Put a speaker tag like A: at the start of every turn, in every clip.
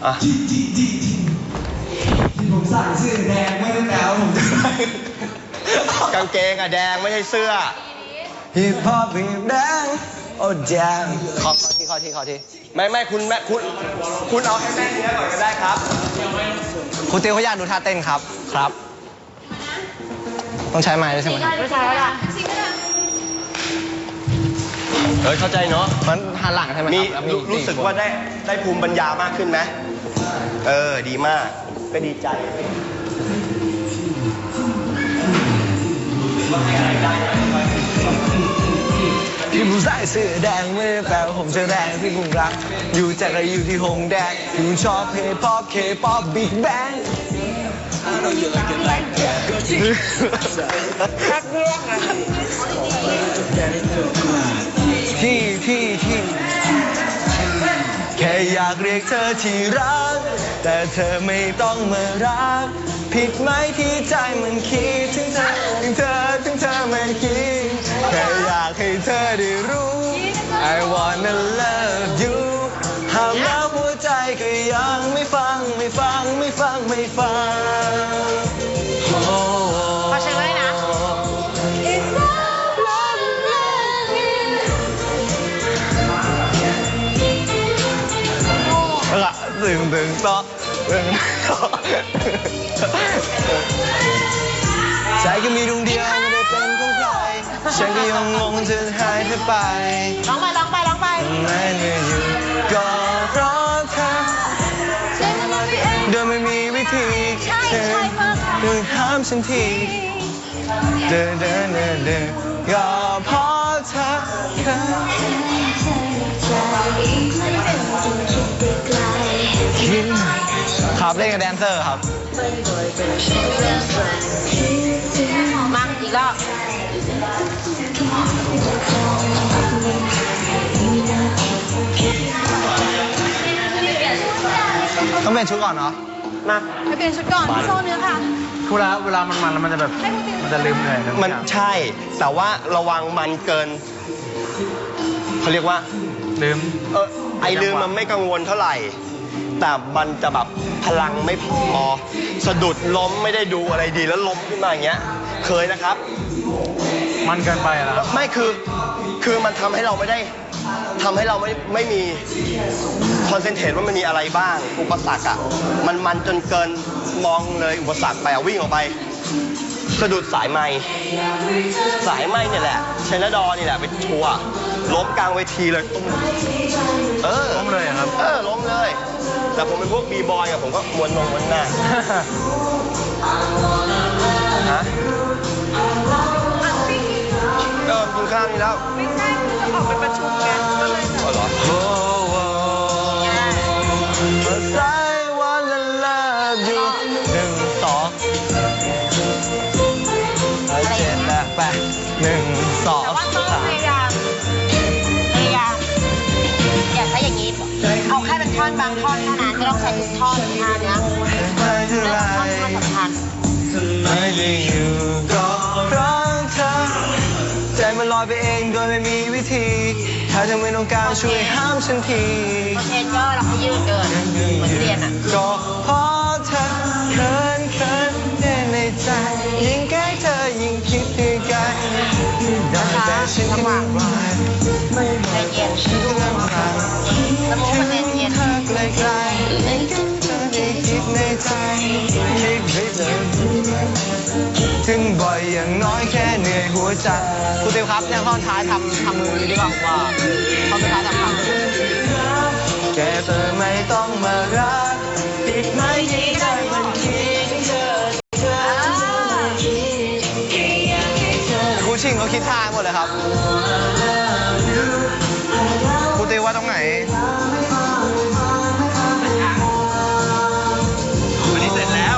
A: ผมใส่เสื้อแดงไม่ได้แปลว่าผมจะ
B: กางเกงอะแดงไม่ใช่เสื้อ
A: ฮิปฮอปฮิปแดงโอ้แดง
B: ขอทีไม่คุณเอาให้แม่เนื้อก่อนก็ได้ครับ
A: คุณเตียวเขาอยากดูท่าเต้นครับต้องใช้ไม้ด้วยใช่ไหม
C: ไม่ใช่แล้วล่ะ
B: เข้าใจเนาะ
A: มันหันหลังใช่ไหมครับ
B: รู้สึกว่าได้ภูมิปัญญามากขึ้นไหมดีมากก็ดีใจ
A: ที่ผู้ใส่เสื้อแดงไม่ได้แปลว่าผมจะแรงที่คุณรักอยู่จากอะไรอยู่ที่หงแดงที่คุณชอบเพย์ป๊อปเคป๊อปบิ๊กแบงที่แค่อยากเรียกเธอที่รักแต่เธอไม่ต้องมารักผิดไหมที่ใจมันคิดถึงเธอมันคิดแค่อยากให้เธอได้รู้ I wanna love you ห้ามแล้วหัวใจก็ยังไม่ฟัง
C: ขอเชิญเลยนะ
A: ตึงต่อใจก็มีดวงเดียวไม่ได้เป็นของใครฉันก็ยังงงจะหายเธอไป
C: ร้องไป
A: ไม่เหนื่อยอยู่ก็เพราะเธอเดินไม่มีวิธีเธอห้ามฉันทีเดินก็เพราะเธอครับเล่นกับแดนเซอร์ครับ
C: มาอีกรอบ
A: ต้องเปลี่ยนชุดก่อนเนาะ
C: มาไปเปลี่ยนชุดก่อนโซ่เนื้อค่ะ
A: เวลามันแล้วมันจะแบบมันจะลืมเลย
B: มันใช่แต่ว่าระวังมันเกินเขาเรียกว่า
A: ลืม
B: ไอลืมมันไม่กังวลเท่าไหร่แต่มันจะแบบพลังไม่พอสะดุดล้มไม่ได้ดูอะไรดีแล้วล้มขึ้นมาอย่างเงี้ยเคยนะครับ
A: มันเกินไปแล้ว
B: ไม่คือมันทำให้เราไม่ได้ทำให้เราไม่มีคอนเซนเทรตว่ามันมีอะไรบ้างอุปสรรคอ่ะมันจนเกินมองเลยอุปสรรคไปวิ่งออกไปสะดุดสายไม้เนี่ยแหละชัยนาดอนี่แหละไปทัวร์ล้มกลางเวทีเลย
A: ล้มเลยครับ
B: ล้มเลยแต่ผมเป็นพวกบีบอยอะผมก็ม้วนหน้าฮะกินข้าวนี่แล้ว
C: ไม่ใช่คือออกไปประชุมกันก็เลย
B: เหรอ
C: แต่ว่าต้องพยายามอย่าใช้อย่างนี้เอาแค่เป็นท่อนบางท่อนเท่านั้นไม่ต้องใช้ทุกท่อนท่านี้เรื่องท่อนสำคัญ
A: ไม่ได้อยู่ก็เพราะเธอใจมันลอยไปเองโดยไม่มีวิธีถ้าเธอไม่ต้องการช่วยห้ามฉันที
C: เชนย่อเราให้ยืดเกินเหมือนเรียนอ่ะ
A: ก็เพราะเธอเขินแน่ในใจยิ่งใกล้เธอยิ่งคิดถึงกันแต่ฉันก็ไม่ไหวไม่ไหวฉันก็ลำบากถึงเธอไกลๆไม่ถึงเธอได้คิดในใจคิดไม่เจอถึงบ่อยอย่างน้อยแค่เหนื่อยหัวใจครูติวครับเนี่ยข้อท้ายทำมือดีกว่าว่าข้อสุดท้ายทำแกเธอไม่ต้องมารักติดไหมที่ใจมันคิดเธอครูชิงเขาคิดท่าหมดเลยครับครูติวว่าตรงไหนวันนี้เสร็จแล้ว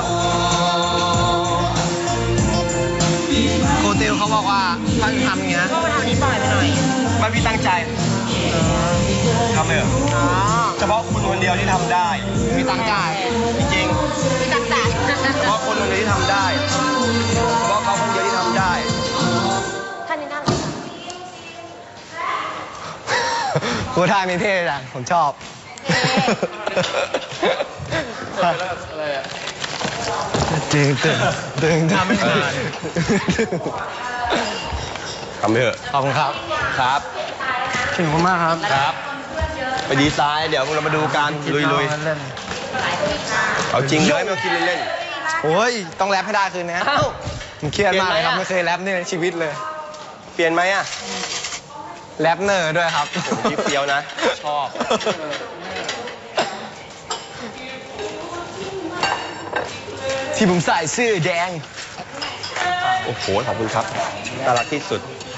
A: ครูติวเขาบอกว่าท่านทำอย่างเงี้ย
C: ก็มาทำนี้บ่อยไปหน่อย
B: ไม่พี่ตั้งใจทำเลยเหรอเฉพาะคุณคนเดียวที่ทำได้
A: มีตั้งใจ
B: จริง
C: ๆมีตั้งใจ
B: เฉพาะคนคนเดียวที่ทำได้เฉพาะเขาคนเดียวที่ทำได้
C: ท่านนี้น่ารัก
A: ครูท่ามีเท่จังผมชอบตึงตึงตึงทำไม่ได้
B: ทำไปเถอะ
A: ขอบคุณครับ
B: ครับ
A: ขอบคุณมากครับ
B: ครับ ไปดีไซน์เดี๋ยวเรามาดูกันลุย
A: เล่น
B: ๆเอาจริงเลยไม่ต้องคิดเล่น
A: โอ้ยต้องแรปให้ได้คืนนี้
B: ๆอ้าว
A: ผมเครียดมากเลยครับ
B: เปลี่ยนไหมอะ
A: ไม่เคยแรปนี่ในชีวิตเลย
B: เปลี่ยนไหมอ่ะ
A: แรปเนอร์ด้วยครับ
B: โอ้โหพี่เฟี้ยวนะชอบ
A: ที่ผมใส่เสื้อแดง
B: โอ้โหขอบคุณครับน่ารักที่สุด